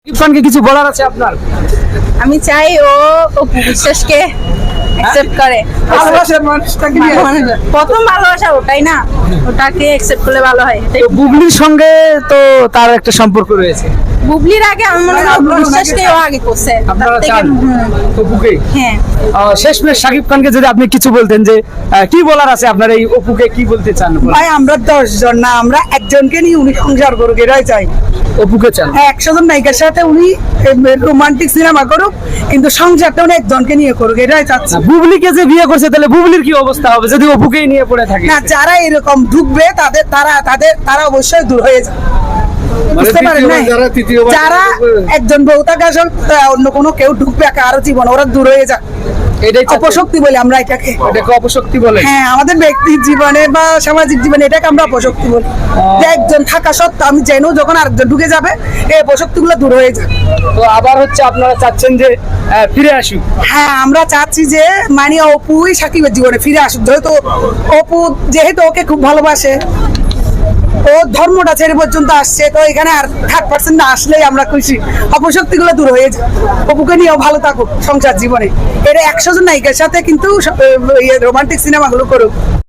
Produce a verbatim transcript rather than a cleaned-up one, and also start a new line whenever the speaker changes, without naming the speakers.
ইরফানকে কিছু বলার আছে আপনার?
আমি চাই ও অপু বিশ্বাসকে অ্যাকসেপ্ট করে।
ভালোবাসার মানুষটাকে নিয়ে
প্রথম ভালোবাসা ওটাই না, ওটাকে অ্যাকসেপ্ট করলে ভালো হয়।
তো বুবলির সঙ্গে তো তার একটা সম্পর্ক রয়েছে।
বুবলির আগে আমি মনে হয় অপু বিশ্বাসকে ও আগে করছে।
আপনারা
তার থেকে
চান
হুম,
অপুকে?
হ্যাঁ
আহ, শেষমেশ শাকিব খানকে যদি আপনি কিছু বলতেন যে আহ, কি বলার আছে আপনার, এই অপুকে কি বলতে চান? বলেন।
ভাই আমরা দশ জন না, আমরা একজনকে নিয়ে উনি সংসার করুক, এটাই চাই।
অপুকে চান?
হ্যাঁ, একশো জন নায়িকার সাথে উনি রোমান্টিক সিনেমা করুক, কিন্তু সংসারটা উনি একজনকে নিয়ে করুক, এটাই চাচ্ছি।
না, বুবলিকে যে বিয়ে করছে তাহলে বুবলির কি অবস্থা হবে যদি অপুকেই নিয়ে পড়ে থাকে?
না, যারা এরকম ঢুকবে তাদের তারা তাদের তারা অবশ্যই দূর হয়ে যায়, বুঝতে পারেন না?
যারা তৃতীয়বার
যারা একজন বউ থাকে আসলে অন্য কোনো কেউ ঢুকবে কারো জীবন, ওরা দূর হয়ে যায়।
এটাই চাচ্ছেন?
অপশক্তি বলি আমরা এটাকে।
এটাকে অপশক্তি বলে?
হ্যাঁ, আমাদের ব্যক্তির জীবনে বা সামাজিক জীবনে এটাকে আমরা অপশক্তি বলি। যে একজন থাকা সত্ত্বেও আমি জেনেও যখন আরেকজন ঢুকে যাবে, এই অপশক্তি গুলো দূর হয়ে যায়।
তো আবার হচ্ছে আপনারা চাচ্ছেন যে আহ, ফিরে আসুক?
হ্যাঁ, আমরা চাচ্ছি যে মানে অপুই সাকিবের জীবনে ফিরে আসুক, যেহেতু অপু যেহেতু ওকে খুব ভালোবাসে, ও ধর্মটা ছেড়ে পর্যন্ত আসছে, তো এখানে আর থার্ড পার্সেন্ট না আসলেই আমরা খুশি। অপশক্তি গুলো দূর হয়ে যায়, অপুকে নিয়েও ভালো থাকুক সংসার জীবনে। এটা একশো জন নায়িকার সাথে কিন্তু রোমান্টিক সিনেমাগুলো করুক।